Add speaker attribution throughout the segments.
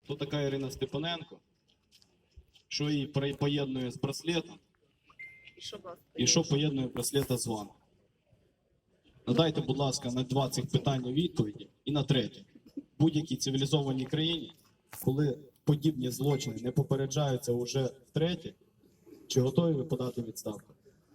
Speaker 1: хто така Ірина Степаненко, що її поєднує з браслетом, і що поєднує браслета з вами. Надайте, будь ласка, на 2 цих питання відповіді. І на третє. В будь-якій цивілізованій країні, коли подібні злочини не попереджаються уже втретє, чи готові ви подати відставку?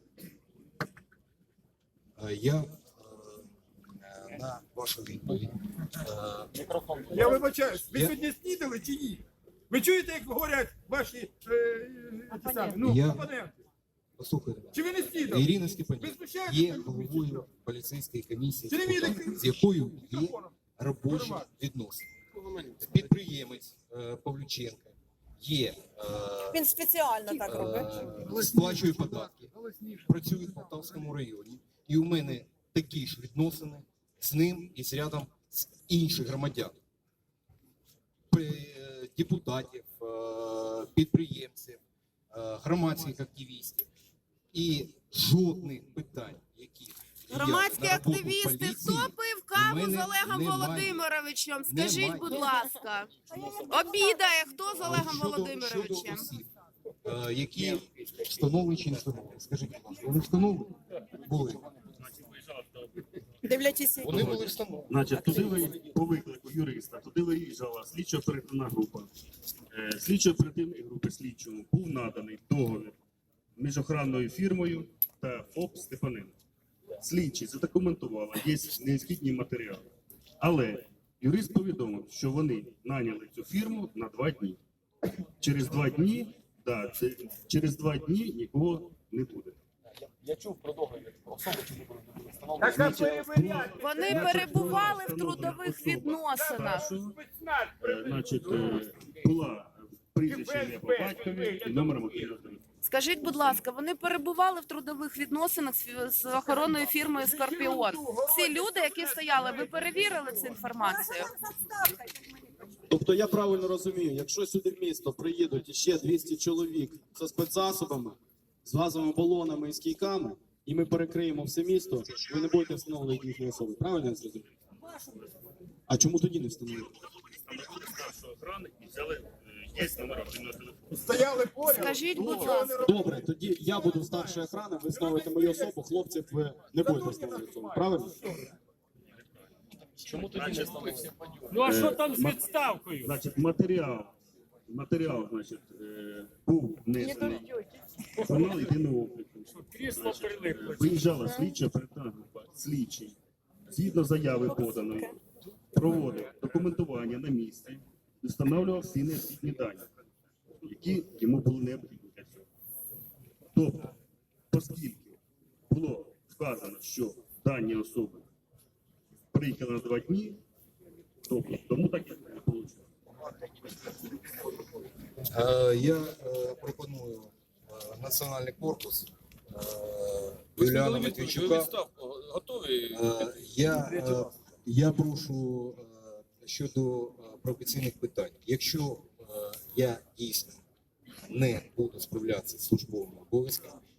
Speaker 2: Я на вашу відповідь.
Speaker 3: Я вибачаюсь, ви сьогодні снідали чи ні? Ви чуєте, як говорять ваші опоненти?
Speaker 2: Послухайте,
Speaker 3: Чи ви не снідали?
Speaker 2: Ірина
Speaker 3: Ви
Speaker 2: Степаненко
Speaker 3: знущаєтеся
Speaker 2: є
Speaker 3: над людьми, чи
Speaker 2: головою поліцейської комісії,
Speaker 3: Чи не вірите?
Speaker 2: з якою є робочі відносини. Підприємець Павлюченко є,
Speaker 4: Він спеціально так робить.
Speaker 2: сплачує податки, працює в Полтавському районі. І у мене такі ж відносини з ним і з рядом з інших громадян. Депутатів, підприємців, громадських активістів. І жодних питань, які
Speaker 5: Громадські
Speaker 2: на роботу
Speaker 5: активісти,
Speaker 2: поліції,
Speaker 5: хто пив каву
Speaker 2: у
Speaker 5: з
Speaker 2: мене
Speaker 5: Олегом
Speaker 2: немає.
Speaker 5: Володимировичем? Скажіть,
Speaker 2: Немає.
Speaker 5: будь ласка. Обідає, хто з Олегом
Speaker 2: Щодо
Speaker 5: Володимировичем?
Speaker 2: осіб, які встановлені чи не встановлені. Скажіть, будь ласка, вони встановлені? Були.
Speaker 4: Дивлячись,
Speaker 2: Вони були встановлені.
Speaker 6: Значить, туди по виклику юриста, туди виїжджала слідчо-оперативна група. Слідчо-оперативної групи слідчому був наданий договір між охоронною фірмою та ФОП Степаненко. Слідчі задокументували, є необхідні матеріали. Але юрист повідомив, що вони наняли цю фірму на 2 дні. Через 2 дні, через 2 дні нікого не буде.
Speaker 7: Я чув про договір, про особи, чи не були встановлені.
Speaker 3: Так, а перевіряти.
Speaker 5: Вони перебували в трудових відносинах.
Speaker 6: Значить, була прізвище ім'я по батькові і номер мобільного телефону.
Speaker 5: Скажіть, будь ласка, вони перебували в трудових відносинах з охоронною фірмою «Скорпіон». Ці люди, які стояли, ви перевірили цю інформацію?
Speaker 1: Тобто я правильно розумію, якщо сюди в місто приїдуть ще 200 чоловік зі спецзасобами, з газовими балонами і з кійками, і ми перекриємо все місто, ви не будете встановлювати їхні особи. Правильно я зрозумів? А чому тоді не встановлюєте?
Speaker 6: Старшої охорони і взяли, є номер мобільного телефону.
Speaker 3: Стояли поряд.
Speaker 5: Скажіть, будь ласка.
Speaker 1: Добре, тоді я буду старшою охорони, ви встановите мою особу, хлопців ви не будете встановлювати особу. Правильно?
Speaker 7: Чому тоді не встановлені?
Speaker 8: Ну а що там з відставкою?
Speaker 6: Значить, матеріал, значить, був внесений в журнал єдиного обліку.
Speaker 8: Крісло прилипло.
Speaker 6: Виїжджала слідча оперативна група, слідчий, згідно заяви поданої, проводив документування на місці і встановлював всі необхідні дані, які йому були необхідні для цього. Тобто, оскільки було вказано, що дані особи приїхали на 2 дні, тобто, тому так і не вийшло.
Speaker 2: Я пропоную Національний корпус Юліана Матвійчука.
Speaker 7: Готові?
Speaker 2: Я прошу щодо професійних питань. Якщо я дійсно не буду справлятися з службовими обов'язками,